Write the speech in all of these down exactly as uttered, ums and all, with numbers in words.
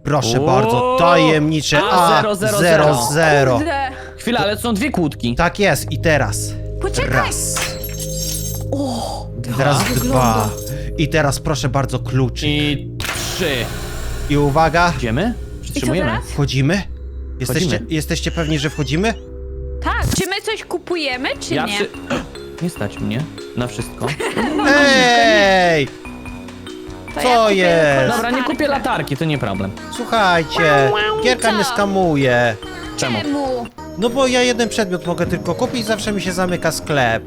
Proszę O! bardzo, tajemnicze A, A zero, zero, zero zero. zero. Kurde. Chwila, ale są dwie kłódki. Tak jest, i teraz. Poczekaj. Raz. O, Teraz wygląda. dwa. I teraz proszę bardzo kluczyk. I, I trzy. uwaga, Idziemy? I co Przytrzymujemy. teraz? wchodzimy? Jesteście, Wchodzimy. jesteście pewni, że wchodzimy? Tak, czy my coś kupujemy, czy Ja nie? przy... Nie stać mnie na wszystko. Ej! To co ja kupię jest? tylko Dobra, nie latarkę. kupię latarki, to nie problem. Słuchajcie, Gierka Co? mnie skamuje. Czemu? Czemu? No bo ja jeden przedmiot mogę tylko kupić, zawsze mi się zamyka sklep.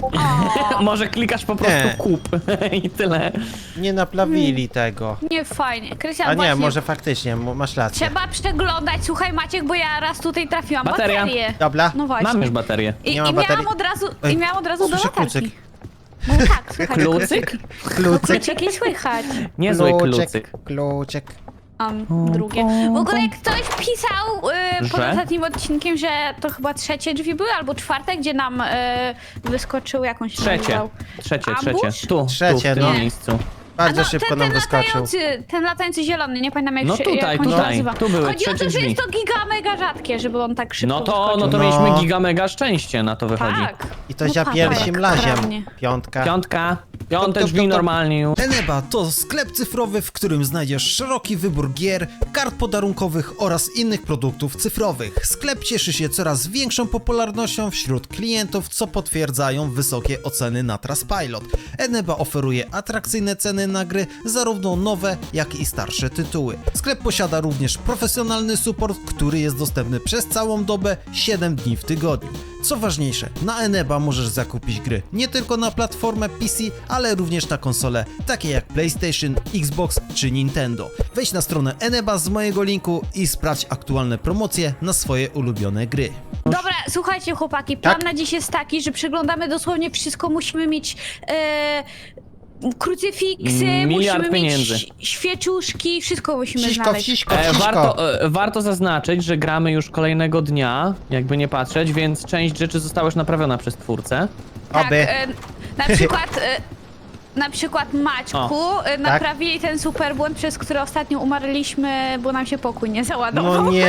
O, Może klikasz po prostu Nie. kup i tyle. Nie naprawili tego. nie fajnie. Krystian, A nie, właśnie może faktycznie, mo- masz rację. trzeba przeglądać. Słuchaj, Maciek, bo ja raz tutaj trafiłam Bateria. baterię. Dobra. No właśnie. Mam już baterię. I, Nie ma i baterii. miałam od razu, Ej, i miałam od razu do słyszę latarki. klucyk. No tak, słuchaj. Klucyk? Klucyk, Kluczyki słychać. Niezły klucyk. kluczyk, kluczyk. Um, drugie. W ogóle ktoś pisał y, pod Że? ostatnim odcinkiem, że to chyba trzecie drzwi były, albo czwarte, gdzie nam y, wyskoczył jakąś Trzecie. Trzecie, Ambush? trzecie. Tu, Trzecie, tu, w tym no. miejscu. Bardzo A no, szybko ten, nam ten wyskoczył. latający, ten latający zielony, nie pamiętam jak No się tutaj, jak on się tutaj. nazywa. Tu były Chodzi o trzecie to, że drzwi. jest to giga mega rzadkie, żeby on tak szybko No to, no wyskoczył. to No. mieliśmy giga mega szczęście, na to wychodzi. Tak. I to No za papa, pierwszym jak laziem. kradnie. Piątka. Piątka. Piąte Top, top, drzwi top, top. normalnie już. Eneba to sklep cyfrowy, w którym znajdziesz szeroki wybór gier, kart podarunkowych oraz innych produktów cyfrowych. Sklep cieszy się coraz większą popularnością wśród klientów, co potwierdzają wysokie oceny na Trustpilot. Eneba oferuje atrakcyjne ceny na gry, zarówno nowe, jak i starsze tytuły. Sklep posiada również profesjonalny support, który jest dostępny przez całą dobę, siedem dni w tygodniu. Co ważniejsze, na Eneba możesz zakupić gry nie tylko na platformę P C, ale również na konsole takie jak PlayStation, Xbox czy Nintendo. Wejdź na stronę Eneba z mojego linku i sprawdź aktualne promocje na swoje ulubione gry. Dobra, słuchajcie chłopaki, plan Tak? na dziś jest taki, że przeglądamy dosłownie wszystko, musimy mieć e, krucyfiksy, Miliard musimy pieniędzy. mieć świeczuszki, wszystko musimy Siśko, znaleźć. wsiśko, E, wsiśko. warto, e, warto zaznaczyć, że gramy już kolejnego dnia, jakby nie patrzeć, więc część rzeczy została już naprawiona przez twórcę. Tak, Oby. e, na przykład... E, na przykład Maćku e, naprawili ten super błąd, przez który ostatnio umarliśmy, bo nam się pokój nie załadował. No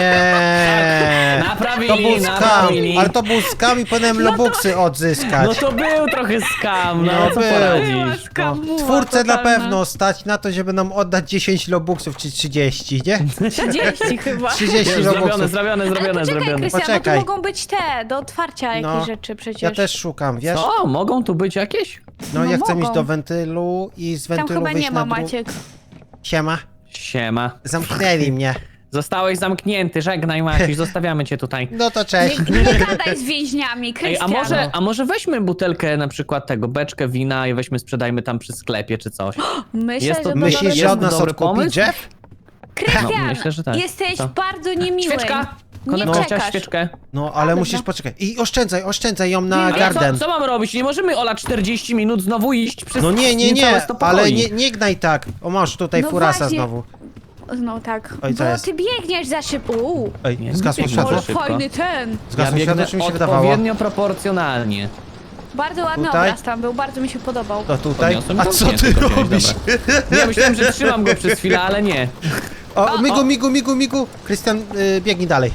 nie. Naprawili, To był skam, naprawili. ale to był skam i powinienem lobuksy odzyskać. No to był trochę skam, no, No co był. poradzisz? Skamuła Twórcę na totalna. pewno stać na to, żeby nam oddać dziesięć lobuksów czy trzydzieści, nie? trzydzieści chyba. trzydzieści Już zrobione, lobuksów. zrobione, Ale zrobione, poczekaj, zrobione. Krystian, bo Poczekaj. tu mogą być te, do otwarcia jakieś No, rzeczy przecież. Ja też szukam, wiesz? O, mogą tu być jakieś? No, No ja chcę mogą. iść do wentylu i z Tam wentylu chyba wyjść nie na ma, dół. Maciek. Siema. Siema. Zamknęli mnie. Zostałeś zamknięty, żegnaj Maciuś, zostawiamy cię tutaj. No to cześć. Nie, nie gadaj z więźniami, Ej, Krystian. a może, a może weźmy butelkę na przykład tego, beczkę wina i weźmy sprzedajmy tam przy sklepie czy coś. Myślę, jest to- że Myślisz, Jest że od to nas dobry odkupi pomysł? Jeff? Krystian, No, myślę, że tak. jesteś Co? bardzo niemiły. Świeczka! Nie Konektor, chciałaś czekasz. świeczkę? No, ale dobra. musisz poczekać. I oszczędzaj, oszczędzaj ją na Nie, Ale garden. co, co mam robić? Nie możemy Ola czterdzieści minut znowu iść przez No nie, nie, niecałe nie, sto ale pokoi. nie, nie gnaj tak. O, masz tutaj No furasa właśnie. znowu. No tak, Oj, co bo jest? ty biegniesz za szybko. Uuu, Ej, Nie, zgasło nie światło? ale szybko. fajny ten. Ja Zgasło światło, biegnę czy mi się wydawało? odpowiednio proporcjonalnie. Bardzo ładny Tutaj? obraz tam był, bardzo mi się podobał. To tutaj? Podniosłem A go? co Nie, ty tylko wziąłeś, robisz? dobra. Nie, myślałem, że trzymam go przez chwilę, ale nie. O, migu, migu, migu, migu. Krystian, y, biegnij dalej.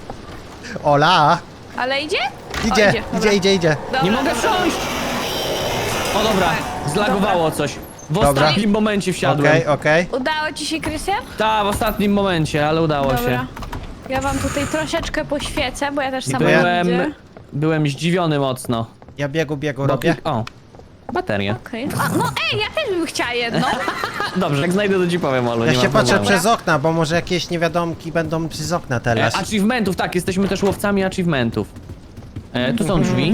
Ola, Ale idzie? idzie, o, idzie, idzie, dobra. idzie, idzie. Dobra, Nie mogę dobra. wsiąść! O dobra, zlagowało coś. W Dobra. ostatnim momencie wsiadłem. Okej, okej. Udało ci się, Krystian? Tak, w ostatnim momencie, ale udało Dobra. się. Ja wam tutaj troszeczkę poświecę, bo ja też I sama nie byłem, widzę. byłem zdziwiony mocno. Ja biegu, biegu Bo robię. klik- O, bateria. Okej. A, no ej, ja też bym chciała jedno. Dobrze, jak znajdę, to ci powiem, Olu, Ja nie się ma patrzę problemu. przez okna, bo może jakieś niewiadomki będą przez okna E, teraz. achievementów, tak, jesteśmy też łowcami achievementów. E, tu są drzwi,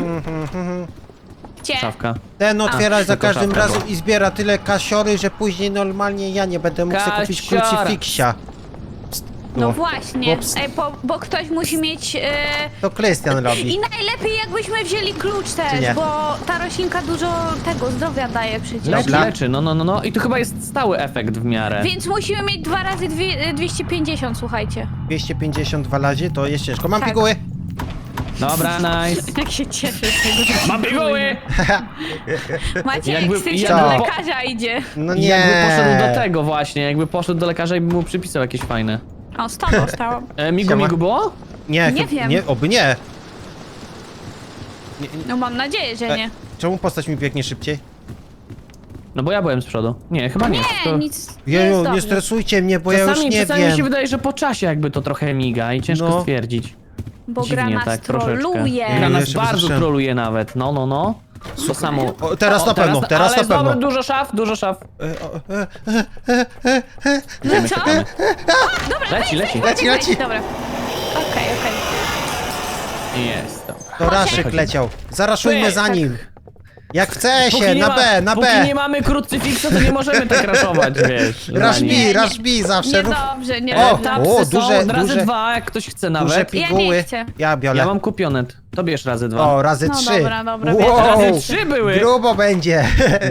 Gdzie? szafka. Ten otwiera za tylko każdym szafka razem była. i zbiera tyle kasiory, że później normalnie ja nie będę mógł sobie kupić Kasiora. krucyfiksia. No O, właśnie, ups. ej, bo, bo ktoś musi mieć... e, To Krystian I robi. najlepiej jakbyśmy wzięli klucz Czy też, nie? bo ta roślinka dużo tego zdrowia daje przecież. Leczy, Dobra. leczy, no, no, no, no. I tu chyba jest stały efekt w miarę. Więc musimy mieć dwa razy dwie, dwieście pięćdziesiąt, słuchajcie. dwieście pięćdziesiąt dwa razy to jest ciężko. Mam Tak. piguły. Dobra, nice. Jak się cieszę z tego, że Mam piguły! Maciek, Jakby- z tym się jakby do po- lekarza idzie. No nie. Jakby poszedł do tego właśnie, jakby poszedł do lekarza i by mu przypisał jakieś fajne. O, z tobą stałam. E, migu, Siema. migu było? Nie, Nie chyb- wiem. nie, oby nie. nie, nie. No mam nadzieję, że E, nie. Czemu postać mi biegnie szybciej? No bo ja byłem z przodu. Nie, chyba nie. Nie, to... nic nie Jeju, jest nie dobrze. stresujcie mnie, bo ja już Czasami, nie czasami mi się wiem. wydaje, że po czasie jakby to trochę miga i ciężko No. stwierdzić. Bo Dziwnie gra nas tak troszeczkę. troluje. Gra Ja nas jeszcze bardzo słyszałem. troluje nawet, no, no, no. To samo. O, teraz na pewno, teraz ale na jest pewno. Dobry, dużo szaf, dużo szaf. E, o, e, e, e, e, No Czekamy, co? czekamy. Dobra, Leci, weź, leci. weź, Leci, weź, leci. weź. Dobra. Okej, okej. Jest, dobra. To Raszyk leciał. Zaraszujmy za nim. Jak chce się, Póki nie na ma- B, na Póki B. nie mamy krucyfiksu, to nie możemy tak raszować, wiesz. Rush za nim. B, rush B zawsze. Rób- Niedobrze, nie O, E, dobrze. tapsy o, są duże- od razy duże- dwa, jak ktoś chce Duże nawet. piguły. chcę. Ja biorę. Ja mam kupionet. To bierz razy dwa. O, razy No trzy. dobra, dobra, Wow, Razy trzy były. grubo będzie.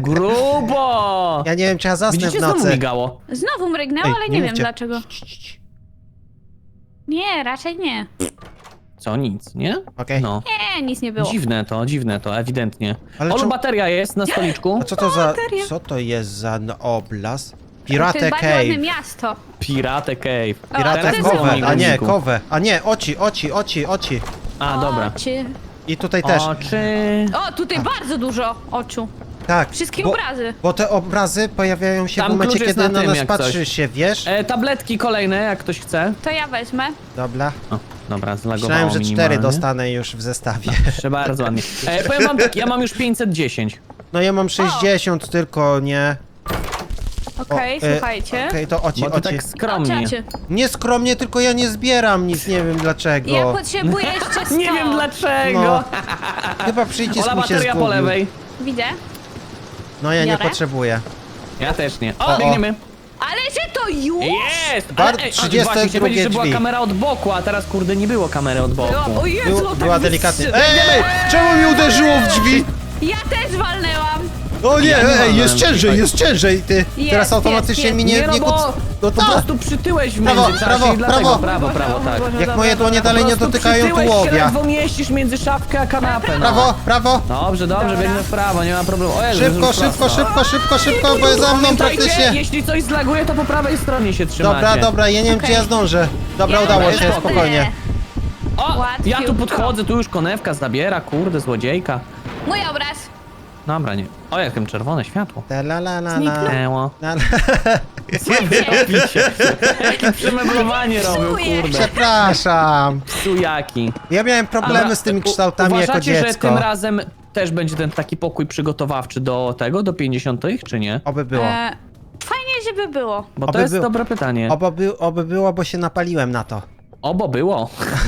Grubo! Ja nie wiem, czy ja zasnę Widzicie, w znowu nocy. migało. Znowu mrygnęło, Ej, ale nie nie, wiem mówcie. dlaczego. Cii, cii, cii. Nie, raczej nie. Co, nic, nie? Okej. No. Nie, nic nie było. Dziwne to, dziwne to, ewidentnie. Ale Olu, czemu- bateria jest na stoliczku. A co to za... bateria. Co to jest za no, oblast? To Pirate jest bardzo ładne Cave. miasto. Pirate Cave. O, Pirate teraz znowu Cove. migu, A nie, migu. Cove. A nie, oci, oci, oci, oci. A, dobra. Oczy. I tutaj też. Oczy... O, tutaj bardzo dużo oczu. Tak. Wszystkie bo, obrazy. Bo te obrazy pojawiają się Tam w momencie, klucz jest kiedy na na tym, nas jak coś. patrzysz się, wiesz? E, tabletki kolejne, jak ktoś chce. To ja wezmę. Dobra. O, dobra, zlagowało Myślałem, że cztery minimalnie. dostanę już w zestawie. Proszę bardzo ładnie. E, powiem wam tak, ja mam już pięćset dziesięć. No ja mam sześćdziesiąt tylko, nie? Okej, O, e, słuchajcie. Okej, to oci, Bo to oci. tak skromnie. Oczacie. Nie skromnie, tylko ja nie zbieram nic, nie wiem dlaczego. Ja potrzebuję jeszcze sto. Nie wiem dlaczego. No. Chyba przycisk Ola, mi się bateria po zgubił. lewej. Widzę. No ja nie Biorę? potrzebuję. Ja też nie. O, O, o. biegniemy. Ale że to już? Jest! Bar- Ale, ej, a, trzydzieste właśnie, chciałem powiedzieć, że była drzwi. kamera od boku, a teraz kurde nie było kamery od boku. Była, o Jezu, Był, tak była wys- delikatnie. Ej, czemu mi uderzyło w drzwi? Ja też walnęłam. O nie, Ja nie ej, jest mam, ciężej, słuchaj. jest ciężej, ty. Jest, Teraz automatycznie jest, mi nie... Nie, no nie bo kuc- no po tak. prostu przytyłeś w Prawo, międzyczasie prawo, i dlatego, prawo. prawo, prawo, tak. Jak moje dłonie Po dalej nie prostu dotykają przytyłeś się, tułowia. ledwo mieścisz między szafkę a kanapę, no. Prawo, prawo. Dobrze, dobrze, Dobra. biegnę w prawo, nie ma problemu. O Jezu, Szybko, już szybko, prosto. szybko, szybko, szybko, bo jest za mną Pamiętajcie, praktycznie. jeśli coś zlaguje, to po prawej stronie się trzymacie. Dobra, dobra, ja nie wiem, Okej. czy ja zdążę. Dobra, Ja udało mam się, spokój. spokojnie. O, Łatwiej ja tu było. podchodzę, tu już konewka zabiera, kurde, złodziejka. Mój obraz. Dobra, nie. O, jakim czerwone światło. Ta la la la la. Zniknęło. La, la. Co wy robicie? Jakie przemeblowanie robił, Psuję. kurde. Przepraszam. Psujaki. Ja miałem problemy Dobra, z tymi u- kształtami jako uważacie, że dziecko. tym razem też będzie ten taki pokój przygotowawczy do tego, do pięćdziesiątych, czy nie? Oby było. E, fajnie, żeby było. Bo Oby to jest było. dobre pytanie. Oby, by, oby było, bo się napaliłem na to. Obo było.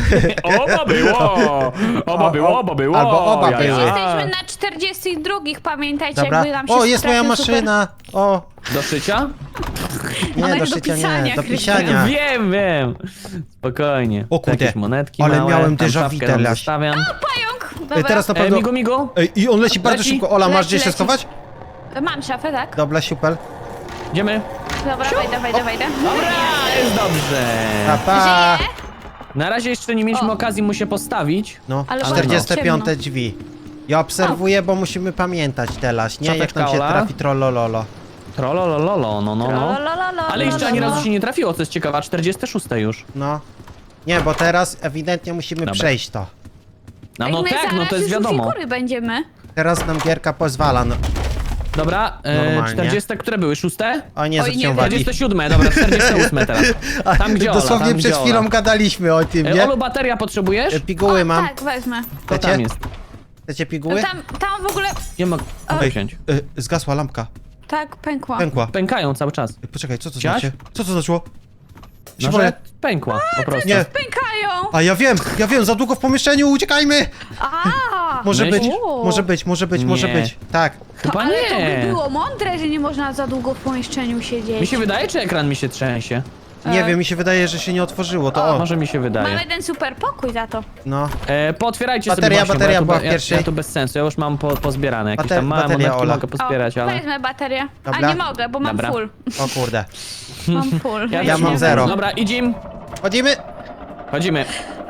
Oba było. Oba było, oba było. Albo oba Ja, były. ja. Jesteśmy na czterdziestych drugich, pamiętajcie, Dobra. jakby nam się O, jest moja trafił super- maszyna. O, Do szycia? nie, Ona do jest do szycia nie, pisania, do Krystian. pisania. Wiem, wiem. Spokojnie. O kurde, Jakieś monetki ale małe, miałem tam déjà vu szafkę nam teraz. zostawiam. Pająk! Dobra. Ej, teraz na E, pewno... migu, migu. Ej, i on leci bardzo Leci. szybko. Ola, masz Leci, gdzie się leci. schować? Mam szafę, tak? Dobra, super. Idziemy. Dobra, wejdę, wejdę, wejdę. Dobra, jest dobrze. Pa, pa. Żyje? Na razie jeszcze nie mieliśmy O. okazji mu się postawić. No, Ale bardzo czterdzieste piąte ciemno. drzwi. Ja obserwuję, bo musimy pamiętać teraz, nie? Jak Szafeczka, nam się Ola? trafi trollololo. Trololololo, no, no, no. Lalalala, Ale jeszcze ani lalala. razu się nie trafiło, co jest ciekawe, czterdzieste szóste już. No. Nie, bo teraz ewidentnie musimy Dobra. przejść to. No, Ej, no my tak, no zaraz to jest już u wiadomo. figury będziemy. Teraz nam gierka pozwala. No. Dobra, e, Normalnie. czterdzieste, które były? Szóste? O nie, Oj, zwróciłem nie, uwagi. czterdzieste siódme, dobra, czterdzieste ósme teraz. Tam gdzie Ola, Dosłownie tam przed gdzie chwilą Ola. gadaliśmy o tym, E, nie? Olu, bateria potrzebujesz? E, Piguły o, mam. tak, wezmę. To Chcecie? tam jest. Chcecie No piguły? tam, tam w ogóle... Nie mogę Ej, wziąć. e, zgasła lampka. Tak, pękła. Pękła. Pękają cały czas. Ej, poczekaj, co to Chciałaś? znaczy? Co to znaczyło? Się No, boję. że pękła po prostu. Nie. Pękają! A ja wiem, ja wiem, za długo w pomieszczeniu, uciekajmy! A, Może być, Myślisz? może być, może być, może Nie. być. Tak. to, Chyba ale to nie. by było mądre, że nie można za długo w pomieszczeniu siedzieć. Mi się wydaje, czy ekran mi się trzęsie? Nie E. wiem, mi się wydaje, że się nie otworzyło, to o. Może mi się wydaje. Mamy ten super pokój za to. No. E, pootwierajcie Bateria, sobie właśnie, bateria bo ja tu, była be- w ja, pierwszej. ja tu bez sensu, ja już mam po, pozbierane. Jakieś Bater- tam małe bateria, monetki Ola. mogę pozbierać, o, ale... wezmę baterię. Dobra. A nie mogę, bo mam Dobra. full. O kurde. Mam full. Ja Weź mam nie zero. wezmę. Dobra, idziemy. Chodzimy? Chodzimy.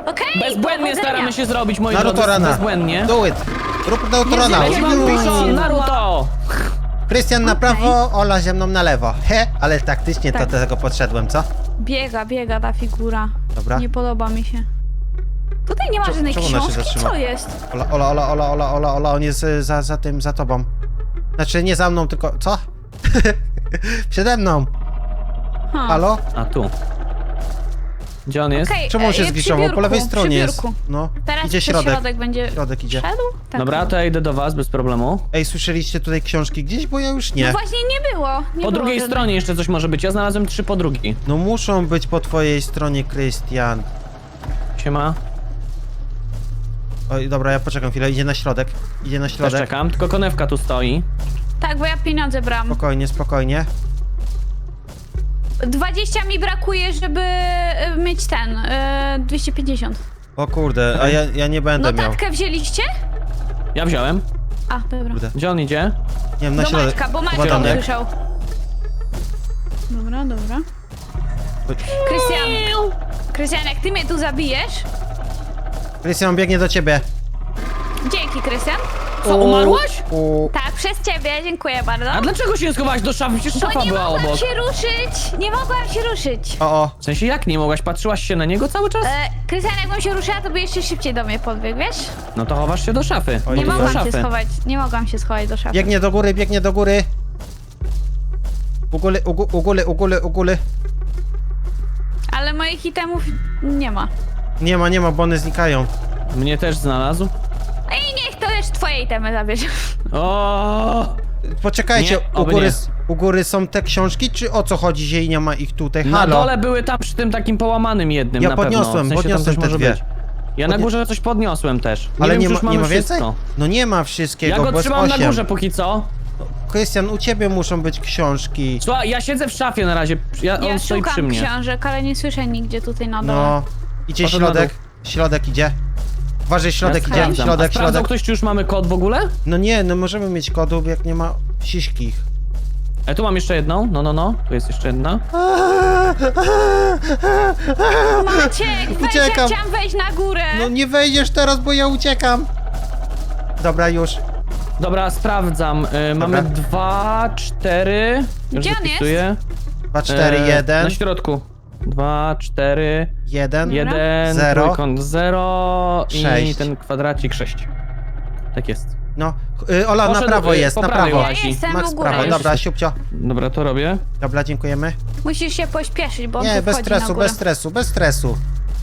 Okej, Bezbłędnie powodzenia. staramy się zrobić, moi Naruto drodzy, rana. bezbłędnie. Do it. Rób Naruto rana. Leci wam piszon, Naruto! Krystian na Okej. prawo, Ola ze mną na lewo. He, ale taktycznie to Tak. do tego podszedłem, co? Biega, biega ta figura. Dobra. Nie podoba mi się. Tutaj nie ma Czemu- żadnej czemu ona się książki, zatrzyma? co jest? Ola, Ola, Ola, Ola, Ola, Ola, Ola, on jest y, za, za tym, za tobą. Znaczy nie za mną, tylko... Co? Przede mną. Ha. Halo? A tu. Gdzie on jest? Okej, Czemu on się e, przy zgliszował? Po lewej biurku, stronie przy jest. biurku. No, Teraz idzie przez środek. środek będzie Środek idzie. szedł? Tak. Dobra, to ja idę do was bez problemu. Ej, słyszeliście tutaj książki gdzieś? Bo ja już No nie. właśnie nie było. Nie Po było drugiej żadnej. stronie jeszcze coś może być. Ja znalazłem trzy po drugiej. No muszą być po twojej stronie, Krystian. Siema. Oj, dobra, ja poczekam chwilę, idzie na środek. Idzie na Też środek. czekam, tylko konewka tu stoi. Tak, bo ja pieniądze brałam. Spokojnie, spokojnie. dwadzieścia mi brakuje, żeby e, mieć ten, e, dwieście pięćdziesiąt. O kurde, a ja, ja nie będę miał. Notatkę wzięliście? Ja wziąłem. A, dobra. Kurde. Gdzie on idzie? Nie wiem, na Do środek. Maćka, bo Chyba Maćka do mnie. usłyszał. Dobra, dobra. Krystian, Krystian, jak ty mnie tu zabijesz... Krystian biegnie do ciebie. Dzięki, Krystian. Co, umarłaś? U, Tak, przez ciebie, dziękuję bardzo. A dlaczego się nie schowałaś do szafy? Przecież Bo szafa nie była mogłam obok. się ruszyć! Nie mogłam się ruszyć! o, o. W sensie jak nie mogłaś? Patrzyłaś się na niego cały czas? E, Krystian, jakbym się ruszyła, to by jeszcze szybciej do mnie podbiegł, wiesz? No to chowasz się do szafy. Oj, Nie do mogłam się szafy. schować, nie mogłam się schować do szafy. Biegnie do góry, biegnie do góry. U góry, u, gó- u góry, u góry, u góry. Ale moich itemów nie ma. Nie ma, nie ma, bo one znikają. Mnie też znalazł. I niech to też twoje itemy zabierze. O! Poczekajcie, Nie, u, oby góry, nie. s- u góry są te książki, czy o co chodzi, że i nie ma ich tutaj? Na Halo? dole były tam przy tym takim połamanym jednym Ja na podniosłem, pewno. W sensie podniosłem tam coś te może dwie. być. Ja na Podnie- górze coś podniosłem też. Nie Ale wiem, nie czy ma, już mamy nie ma więcej? wszystko. No nie ma wszystkiego, Ja go bo jest trzymam na osiem. górze póki co. Krystian, u ciebie muszą być książki. Słuchaj, ja siedzę w szafie na razie. Ja, Ja on stoi przy szukam mnie. książek, ale nie słyszę nigdzie tutaj na dole. No. Idzie Poszedł na środek. Środek idzie. Uważaj, środek ja idzie. sprawdzam. Środek, A sprawdzał środek. ktoś, czy już mamy kod w ogóle? No nie, no możemy mieć kodów, jak nie ma siśkich. E, tu mam jeszcze jedną. No, no, no. Tu jest jeszcze jedna. Maciek, weź, ja Uciekam. chciałam wejść na górę. No nie wejdziesz teraz, bo ja uciekam. Dobra, już. Dobra, sprawdzam. Y, mamy dwa, cztery. Już Gdzie on wypisuję. dwa, cztery, E, jeden. Na środku. Dwa, cztery, jeden. jeden, Zero. trójkąt zero i Sześć. ten kwadracik sześć. Tak jest. No. Y, Ola, na Poszedł, prawo y, jest, po na prawej prawo. łazi. Ja jestem Max u góry. prawo, już. dobra, siupcio. Dobra, to robię. Dobra, dziękujemy. Musisz się pośpieszyć, bo on Nie, tu bez wchodzi na stresu, górę. bez stresu, bez stresu.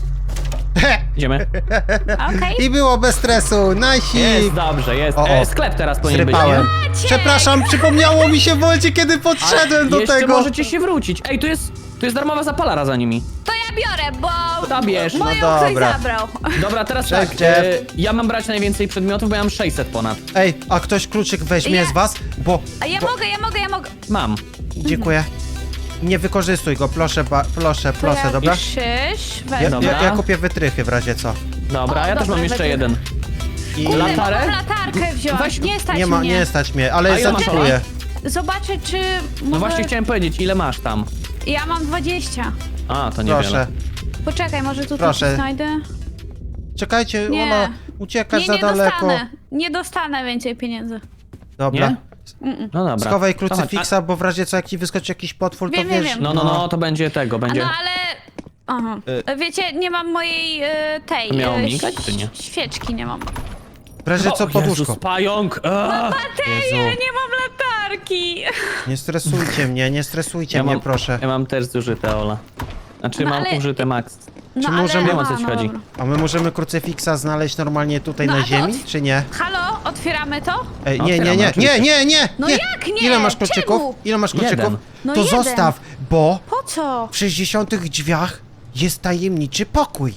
Idziemy. Okej. I było bez stresu, najsik. Jest dobrze, jest. O, o. E, sklep teraz powinien być, Zrypałem. nie? Maciek! Przepraszam, przypomniało mi się w momencie, kiedy podszedłem do Jeszcze tego. możecie się wrócić. Ej, tu jest, tu jest darmowa zapalara za nimi. To ja biorę, bo To bierz. moją No ktoś dobra. zabrał. Dobra, teraz Cześć, tak. Jeff. E, ja mam brać najwięcej przedmiotów, bo ja mam sześćset ponad. Ej, a ktoś kluczyk weźmie Ja- z was? Bo... A ja bo... mogę, ja mogę, ja mogę. Mam. Dziękuję. Nie wykorzystuj go, proszę, ba... proszę, To proszę, ja dobra? Krzyż, Ja, weź. Dobra. ja, ja kupię wytrychy w razie co. Dobra, O, ja też dobra, mam jeszcze będzie. jeden. I Kurde, Latarę? mogę latarkę wziąć, Weź- nie stać nie ma, mnie. nie stać mnie, ale A ile masz, zacytuję. Zobaczę, czy No mogę... właśnie chciałem powiedzieć, ile masz tam? Ja mam dwadzieścia. A, to niewiele. Proszę. Poczekaj, może tutaj Proszę. coś znajdę? Czekajcie, Nie. ona uciekasz Nie, za nie daleko. dostanę. Nie dostanę więcej pieniędzy. Dobra. Nie? No dobra. Schowaj To chodź. krucyfiksa, bo w razie co, jak ci wyskoczy jakiś potwór, to Wiem, wiem, wiesz... wiem. A, No, no, no, to będzie tego, A będzie... no ale... Aha. Wiecie, nie mam mojej e, tej... To miało e, migać, czy nie? Świeczki nie mam. W razie co, O, poduszko. Jezus, pająk! Aaa! Baterię, Jezu. nie mam latarki. Nie stresujcie mnie, nie stresujcie Ja mnie, mam, proszę. ja mam też zużyte, Ola. Znaczy No, mam ale- użyte max. No, Czy ale... możemy- Wiem, o co aha, ci no chodzi. dobra. A my możemy krucyfiksa znaleźć normalnie tutaj No, na a to ziemi, od- czy nie? Halo, otwieramy to? Ej, No, nie, nie, otwieramy, nie, nie, oczywiście. nie, nie! No nie. jak nie? Ile masz kluczyków? Czemu? Ile masz kluczyków? Jeden. No to jeden. zostaw, bo Po co? w sześćdziesiątych drzwiach jest tajemniczy pokój.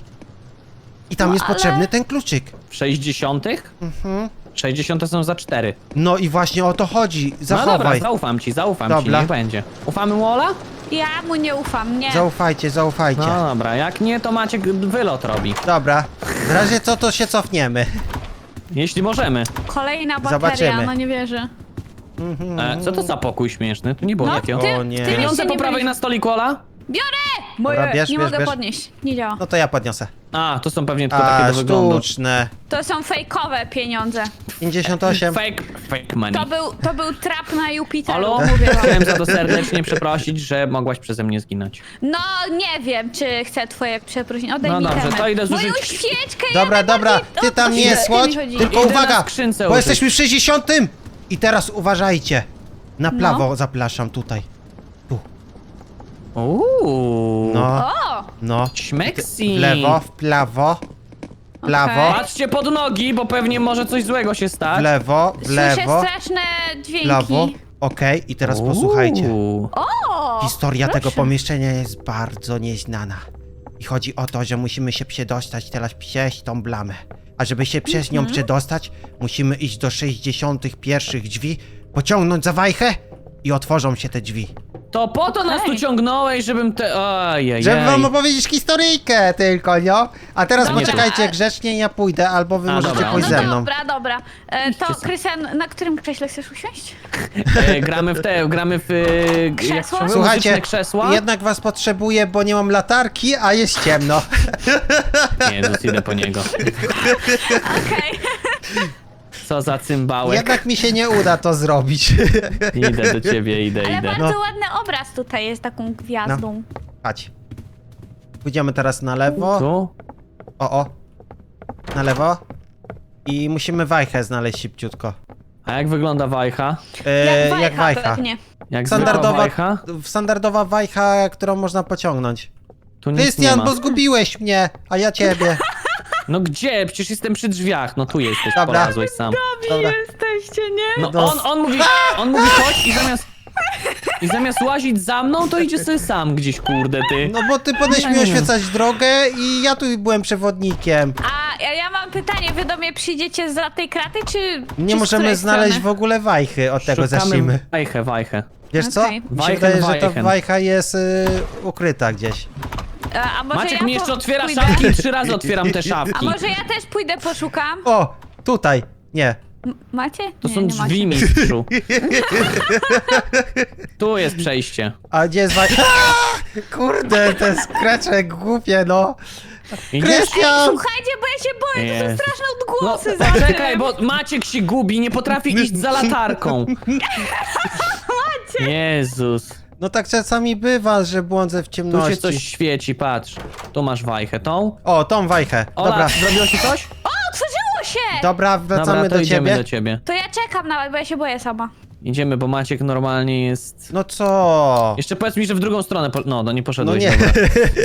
I tam No, jest ale- potrzebny ten kluczyk. W sześćdziesiątych? Mhm. sześćdziesiąte są za cztery. No i właśnie o to chodzi. No dobra, Zachowaj. zaufam ci, zaufam Dobra. ci, niech będzie. Ufamy mu, Ola? Ja mu nie ufam, nie. Zaufajcie, zaufajcie. No dobra, jak nie, to Maciek wylot robi. Dobra. W razie co, to się cofniemy. Jeśli możemy. Kolejna bateria, Zobaczymy. no nie wierzę. E, co to za pokój śmieszny? Tu nie było No, takiego. ty, O nie. ty Pieniądze jeszcze po nie prawej byłeś- na stoliku, Ola? Biorę! Dobra, Moje, bierz, nie bierz, mogę bierz. podnieść. Nie działa. No to ja podniosę. A, to są pewnie tylko A, takie do wyglądu. sztuczne. To są fejkowe pieniądze. pięćdziesiąt osiem. Fake, fake money. To był, to był trap na Jupiteru, Halo? mówię wam. Chciałem za to serdecznie przeprosić, że mogłaś przeze mnie zginąć. No, nie wiem, czy chcę twoje przeprosiny. Oddaj No mi dobrze, temat. to idę Moją zużyć- świeczkę, Dobra, ja dobra, najbardziej- ty o, tam o nie świeczkę mi słodź, chodzi. tylko Idę uwaga, na skrzynce bo użyć. jesteśmy w sześćdziesiątym. I teraz uważajcie. Na No. prawo zapraszam tutaj. Tu, Uuu. no, O! no. Śmeksi. W lewo, w prawo, w prawo, Okej. Patrzcie pod nogi, bo pewnie może coś złego się w stać. lewo, w Słyszę lewo, straszne w dźwięki. lewo. Okej, i teraz posłuchajcie. Uuu. O! Historia tego proszę. pomieszczenia jest bardzo nieznana. I chodzi o to, że musimy się przedostać teraz przez tą blamę. A żeby się przez nią przedostać, musimy iść do sześćdziesiątych pierwszych drzwi, pociągnąć za wajchę i otworzą się te drzwi. To po to nas tu Okej. ciągnąłeś, żebym te... Ojej. Żeby wam opowiedzieć historyjkę tylko, no. A teraz Dobra. poczekajcie, grzecznie ja pójdę, albo wy A, możecie dobra. pójść No ze mną. dobra, dobra. E, to, Idźcie sobie. Krystian, na którym krześle chcesz usiąść? E, gramy w te, gramy w... e, g- jak Krzesła? się mówi, Słuchajcie, muzyczne krzesła. jednak was potrzebuję, bo nie mam latarki, a jest ciemno. Jezus, idę po niego. Okej. Co za cymbałek. Jednak mi się nie uda to zrobić. Idę do ciebie, idę, Ale idę. bardzo No. ładny obraz tutaj jest taką gwiazdą. Chodź. Pójdziemy teraz na lewo. Tu? O, o. Na lewo. I musimy wajchę znaleźć szybciutko. A jak wygląda wajcha? E, Jak jak wajcha wajcha. Jak pewnie. zwykła Standardowa, wajcha? standardowa wajcha, którą można pociągnąć. Tu nic nie Krystian, ma. bo zgubiłeś mnie, a ja ciebie. No gdzie? Przecież jestem przy drzwiach. No tu jesteś, Dobra. polazłeś sam. Dobra. Jesteście, nie? No Dos- on, on mówi, on mówi chodź i zamiast... I zamiast łazić za mną, to idzie sobie sam gdzieś, kurde ty. No bo ty powinieneś mi oświecać drogę i ja tu byłem przewodnikiem. A ja, ja mam pytanie, wy do mnie przyjdziecie z tej kraty, czy Nie czy z możemy której znaleźć w strony? ogóle wajchy, od tego zacznijmy. wajchę, wajchę. Wiesz co? Okej. Mi się Wajchen, wydaje, że ta wajchen. wajcha jest y, ukryta gdzieś. A, a może Maciek ja mi po- jeszcze otwiera pójdę? szafki i trzy razy otwieram te A szafki. może ja też pójdę, poszukam? O, tutaj. Nie. M- macie? To nie, są nie drzwi, macie. mistrzu. Tu jest przejście. A gdzie jest wajcha? Kurde, te skrecze głupie, no. Idziesz? Krystian! Słuchajcie, bo ja się boję, to są Jezu. straszne No, odgłosy za tym. czekaj, bo Maciek się gubi, nie potrafi iść za latarką. Jezus. No tak czasami bywa, że błądzę w Tu ciemności. się coś świeci, patrz. Tu masz wajchę, tą. O, tą wajchę. Ola, Dobra, zrobiło się coś? O, otworzyło się! dobra, wracamy Dobra, to do idziemy ciebie. do ciebie. To ja czekam nawet, bo ja się boję sama. Idziemy, bo Maciek normalnie jest... No co? Jeszcze powiedz mi, że w drugą stronę... Po... No, no nie No poszedłeś, nie. dobra.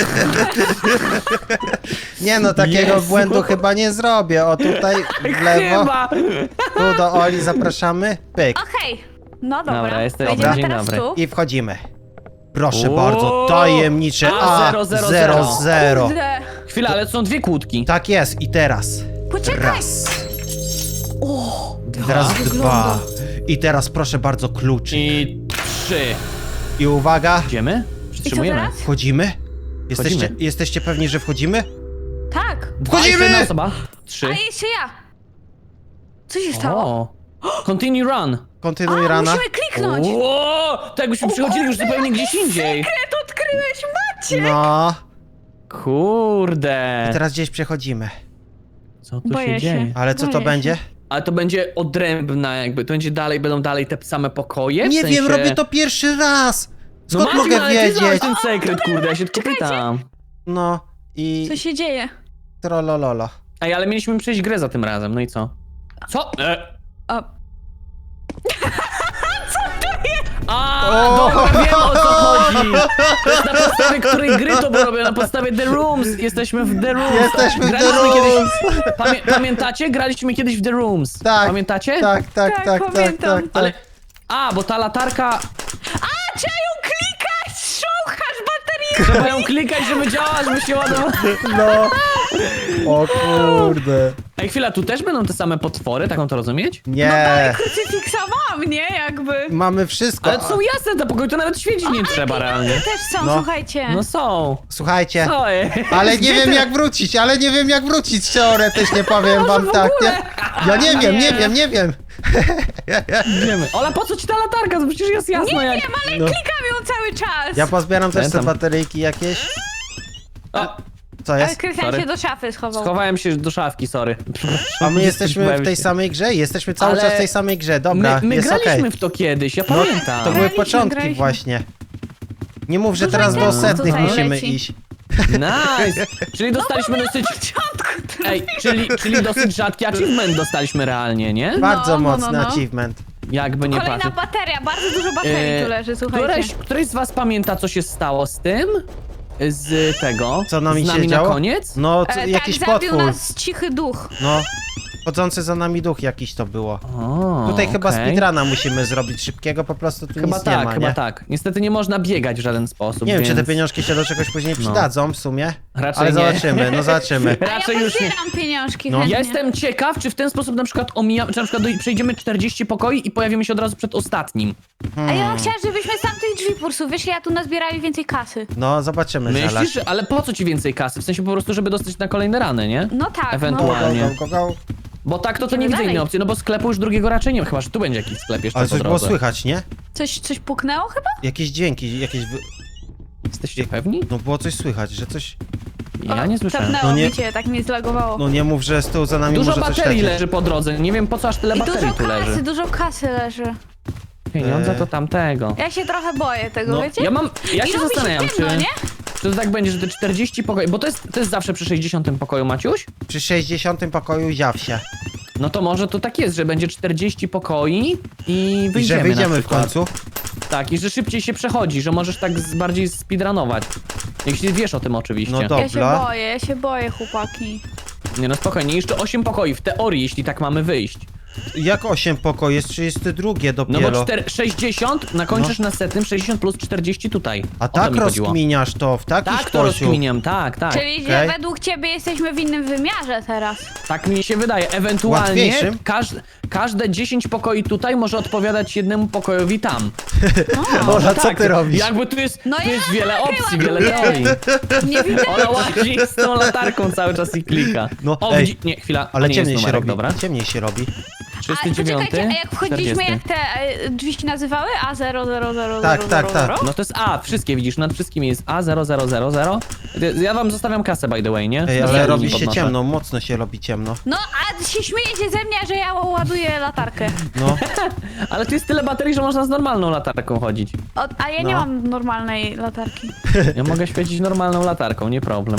Nie no, takiego Jezu. błędu chyba nie zrobię. O, tutaj w lewo. Chyba! Tu do Oli zapraszamy. Pyk. Okej, no dobra. Dobra, jesteś- Wejdziemy Dobra. Dzień teraz dobry. tu. I wchodzimy. Proszę O! bardzo, tajemnicze A, A zero, zero, zero zero. zero. Kurde. Chwila, ale to są dwie kłódki. Tak jest, i teraz. Poczekaj. Raz. O, I teraz dwa. I teraz proszę bardzo kluczyk. I trzy. I uwaga, Idziemy? i co Przytrzymujemy. teraz? wchodzimy? Jesteście, Wchodzimy. jesteście pewni, że wchodzimy? Tak. Dwa, Wchodzimy! jeszcze jedna osoba. Trzy. A jeszcze ja. Co się stało? O. Continue run. Kontynuuj A, rana. musimy kliknąć. Ło! To jakbyśmy przychodzili już zupełnie gdzieś indziej. Sekret odkryłeś, Macie. No. Kurde. I teraz gdzieś przechodzimy. Co tu Boję się się. dzieje? Ale co to Boję się. będzie? Ale to będzie odrębna jakby, to będzie dalej, będą dalej te same pokoje? W Nie sensie... wiem, robię to pierwszy raz. Skąd no Maciek, mogę ale ty znałeś wiedzieć? ten sekret, kurde, ja się tylko pytam. No i Co się dzieje? trolololo. Ej, ale mieliśmy przejść grę za tym razem, no i co? Co? E. O, A, O! dobra, wiem o co chodzi. To jest na podstawie której gry to było robione, na podstawie The Rooms. Jesteśmy w The Rooms. Jesteśmy w The Graliśmy Rooms. Kiedyś, pamię, pamiętacie? Graliśmy kiedyś w The Rooms. Tak. Pamiętacie? Tak, tak, Tak, tak, tak, pamiętam. tak, Ale... tak. A, bo ta latarka... A, trzeba ją klikać! Szouchasz baterię! Trzeba ją klikać, żeby działała, żeby się ładowała. No. O kurde. Ej, chwila, tu też będą te same potwory, taką to rozumieć? No Nie. dalej krucyfiksa mam, nie? Jakby. Mamy wszystko. Ale to są jasne te pokoje, to nawet świecić nie trzeba realnie. Też są, No. słuchajcie. No są. Słuchajcie. Co jest? Ale nie Gdzie wiem te- jak wrócić, ale nie wiem jak wrócić teoretycznie, powiem wam w tak, ogóle? nie? Ja nie wiem, nie Nie. wiem, nie wiem. Wiemy. Ola, po co ci ta latarka? To przecież jest jasno Nie jak... wiem, ale No. klikam ją cały czas. Ja pozbieram też te Pamiętam. bateryjki jakieś. O, Co Ale jest? Krystian Sorry. się do szafy schował. schowałem się do szafki, sorry. A my jesteśmy w Zgubiłem tej się. samej grze? Jesteśmy cały Ale czas w tej samej grze, dobra, My, my jest graliśmy okej. w to kiedyś, ja No, pamiętam. to były Graliśmy, początki graliśmy. właśnie. Nie mów, że Dużo teraz do itemów setnych tutaj musimy leci. iść. Nice! Czyli dostaliśmy dosyć... Początku. Ej, czyli, czyli dosyć rzadki achievement dostaliśmy realnie, nie? Bardzo no, no, mocny no. achievement. Jakby nie Kolejna patrzeć. bateria, bardzo dużo baterii E, tu leży, słuchajcie. Któreś, któreś z was pamięta, co się stało z tym? Z tego? Co nami z się nami na działo? koniec? No, co, E, jakiś tak, zabił potwór. nas cichy duch. No, chodzący za nami duch jakiś to było. O, Tutaj chyba okej. speedruna musimy zrobić szybkiego, po prostu tu Chyba nic tak, nie ma, chyba nie? tak. Niestety nie można biegać w żaden sposób, Nie wiem, czy te więc pieniążki się do czegoś później No. przydadzą w sumie, Raczej ale nie. zobaczymy, no zobaczymy. A Raczej ja już nie. pozbieram pieniążki No. chętnie. Ja jestem ciekaw, czy w ten sposób na przykład omijamy, czy na przykład do- przejdziemy czterdzieści pokoi i pojawimy się od razu przed ostatnim. A ja chciałam, żebyśmy z tamtych drzwi po prostu wyszli, a tu nazbierali więcej kasy. No, zobaczymy zaraz. Myślisz, że- ale po co ci więcej kasy? W sensie po prostu, żeby dostać na kolejne rany, nie? No tak, Ewentualnie. Go, go, go, go. Bo tak to, to Idziemy nie widzę dalej. innej opcji, no bo sklepu już drugiego raczej nie ma, chyba że tu będzie jakiś sklep jeszcze Ale po coś było drodze. słychać, nie? no. Coś, coś puknęło chyba? Jakieś dźwięki, jakieś... wy- Jesteście pewni? No było coś słychać, że coś... Ja nie słyszałem. Tapnęło No nie- mi cię, tak mnie zlagowało. No nie mów, że z tyłu za nami Dużo może coś baterii lecieć. leży po drodze, nie wiem po co aż tyle I baterii dużo tu kasy, leży. dużo kasy leży. Pieniądze Eee. to tamtego. Ja się trochę boję tego, No, wiecie? Ja mam, ja I się robi zastanawiam, ciemno, czy, nie? czy to tak będzie, że te czterdzieści pokoi, bo to jest, to jest zawsze przy sześćdziesiątym pokoju, Maciuś? Przy sześćdziesiątym pokoju ziaw się. No to może to tak jest, że będzie czterdzieści pokoi i I wyjdziemy że wyjdziemy na w przykład. końcu. Tak, i że szybciej się przechodzi, że możesz tak z, bardziej speedrunować. Jeśli wiesz o tym oczywiście. No Ja się dobra. boję, ja się boję, chłopaki. Nie no spokojnie, jeszcze osiem pokoi w teorii, jeśli tak mamy wyjść. Jak osiem pokoi? Jest trzydzieste drugie No dopiero. bo czter- sześćdziesiąt nakończysz na setnym, sześćdziesiąt plus czterdzieści tutaj. A O to tak mi chodziło. rozkminiasz to w taki Tak to sposób. rozkminiam, tak, tak. Czyli, że okej. według ciebie jesteśmy w innym wymiarze teraz. Tak mi się wydaje. Ewentualnie Łatwiejszym? każ każde dziesięć pokoi tutaj może odpowiadać jednemu pokojowi tam. Ola, co tak, ty robisz? Jakby tu jest, No tu ja jest wiele latarkę opcji, wiele ładuję. teorii. Nie widzę. Ola łazi z tą latarką cały czas i klika. No, o, ej, widzi- nie, chwila, Ale to nie ciemniej jest się numerek, robi. dobra. Ciemniej się robi. A trzysta dziewięć, poczekajcie, a jak wchodziliśmy, czterdziesty. jak te e, drzwi się nazywały? A zero zero zero Tak, zero tak, zero tak. zero? No to jest A, wszystkie widzisz, nad wszystkimi jest A zero zero zero zero. Ja wam zostawiam kasę by the way, nie? Ej, Ja ale nie robi się podnoszę. ciemno, mocno się robi ciemno. No, a się śmiejecie ze mnie, że ja ładuję latarkę. No, Ale tu jest tyle baterii, że można z normalną latarką chodzić. O, a ja nie No. mam normalnej latarki. Ja mogę świecić normalną latarką, nie problem.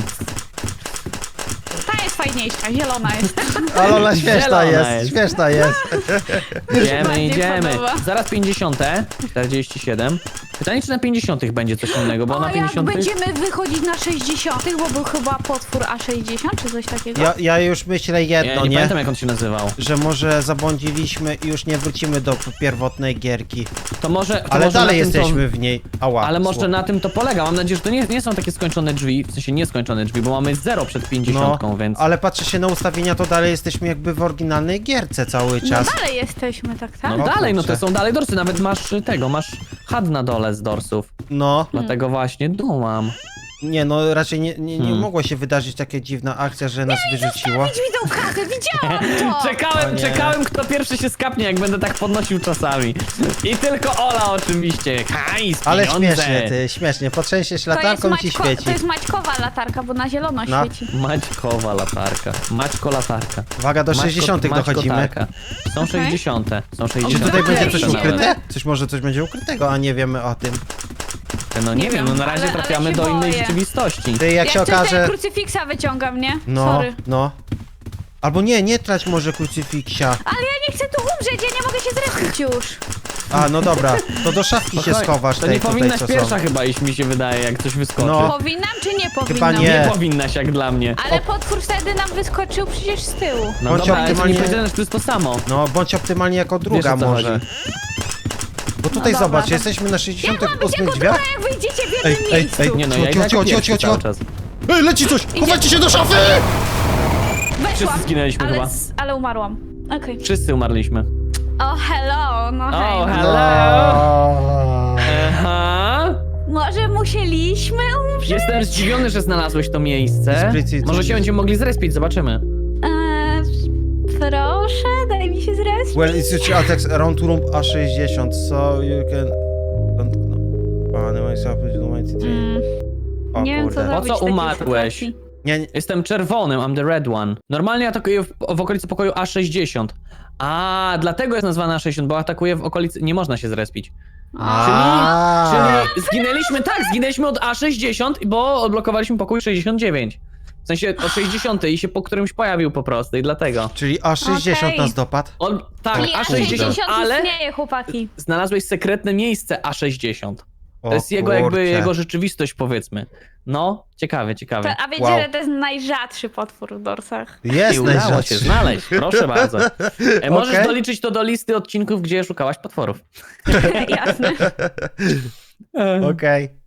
Ta jest fajniejsza, zielona jest. ale ona śmieszna Zielona jest, jest. śmieszna jest. Idziemy, bardziej idziemy. podoba. Zaraz pięćdziesiąte, czterdzieści siedem. Pytanie, czy na pięćdziesiątych będzie coś innego, bo O, na jak pięćdziesiątych... będziemy wychodzić na sześćdziesiątych, bo był chyba potwór A sześćdziesiąt, czy coś takiego? Ja, ja już myślę Ja jedno, nie, nie? pamiętam, jak on się nazywał. Że może zabłądziliśmy i już nie wrócimy do pierwotnej gierki. To może... To Ale może dalej na tym jesteśmy w niej. Ała. To, ale może słowo. na tym to polega. Mam nadzieję, że to nie, nie są takie skończone drzwi, w sensie nieskończone drzwi, bo mamy zero przed pięćdziesiątką, No, więc... ale patrzę się na ustawienia, to dalej jesteśmy jakby w oryginalnej gierce cały No czas. dalej jesteśmy, tak, tak? No O dalej, no to kurczę. są dalej dorsy, nawet masz y, tego, masz had na dole z dorsów. No, Dlatego właśnie dumam. nie no, raczej nie, nie, nie Hmm. mogło się wydarzyć taka dziwna akcja, że nas wyrzuciło. Zostawić mi tą kasę, widziałam to! Czekałem, O nie. czekałem, kto pierwszy się skapnie, jak będę tak podnosił czasami. I tylko Ola oczywiście. Hajs, Ale pieniądze. śmiesznie, ty, śmiesznie. Potrzęsiesz To jest, latarką i ci Maćko, świeci. to jest Maćkowa latarka, bo na zielono No. świeci. Maćkowa latarka. Maćko latarka. Uwaga, do Maćko- sześćdziesiątych Maćko dochodzimy. tarka. Są sześćdziesiąte. Są Czy sześćdziesiąte. tutaj będzie coś Idziemy. ukryte? Coś może coś będzie ukrytego, a nie wiemy o tym. No nie, Nie wiem, wiem, no na razie ale- ale trafiamy się do innej boję. rzeczywistości. Ty, jak się ja wciąż okaże... ten krucyfiksa wyciągam, nie? No, Sorry. no. Albo nie, nie trać może krucyfiksia. Ale ja nie chcę tu umrzeć, ja nie mogę się zrespić już. A, no dobra, to do szafki się Spokojnie. schowasz To tej nie tutaj, powinnaś co pierwsza są. chyba iść, mi się wydaje, jak coś wyskoczy. No. Powinnam czy nie powinnam? nie. Nie powinnaś, jak dla mnie. Ale potwór wtedy nam wyskoczył przecież z tyłu. No Bądź dobra, ale to nie optymalnie- powiedziane, że to jest to samo. No, bądź optymalnie jako druga Wiesz, o co może. chodzi. Bo tutaj No dobra, zobacz, to- jesteśmy na Jak sześćdziesiątych mam być ósmych jako drzwiach. druga, jak wyjdziecie w Ej, jednym ej, miejscu? ej, Nie no, Cicho, ja cicho, idę cicho, jako cicho, pierwszy cicho. cały czas. Ej, leci coś! Chowajcie się do szafy! Weszłam, Wszyscy zginęliśmy ale, chyba. s- ale umarłam. Okej. Wszyscy umarliśmy. O, hello, no hej. O, no. hello! No. Aha! Może musieliśmy umrzeć? Jestem zdziwiony, że znalazłeś to miejsce. Sprytnie, Może co- się będziemy mogli zrespić, zobaczymy. Eee, proszę, daj mi się zrespić. Well, it's your attacks around to room A sześćdziesiąt, so you can... don't- no. O, no i sobie dokumenty. Mm, O nie wiem, co kurde. zrobić co w takiej umarłeś? sytuacji. Nie, nie, Jestem czerwonym, I'm the red one. Normalnie atakuję w, w okolicy pokoju A sześćdziesiąt. A, dlatego jest nazwana A sześćdziesiąt, bo atakuje w okolicy... Nie można się zrespić. A. Czyli zginęliśmy, tak, zginęliśmy od A sześćdziesiąt, bo odblokowaliśmy pokój sześćdziesiąt dziewięć. W sensie od sześćdziesiąt i się po którymś pojawił po prostu i dlatego. Czyli A sześćdziesiąt Okej. nas dopadł? On, tak, Czyli A sześćdziesiąt, ale istnieje, chłopaki. znalazłeś sekretne miejsce A sześćdziesiąt. O To jest jego jakby, kurczę. jego rzeczywistość, powiedzmy. No, ciekawe, To, ciekawe. a wiecie, Wow. że to jest najrzadszy potwór w dorsach. Jest I udało się najrzadszy. znaleźć, proszę bardzo. E, możesz Okej. doliczyć to do listy odcinków, gdzie szukałaś potworów. Jasne. Okej.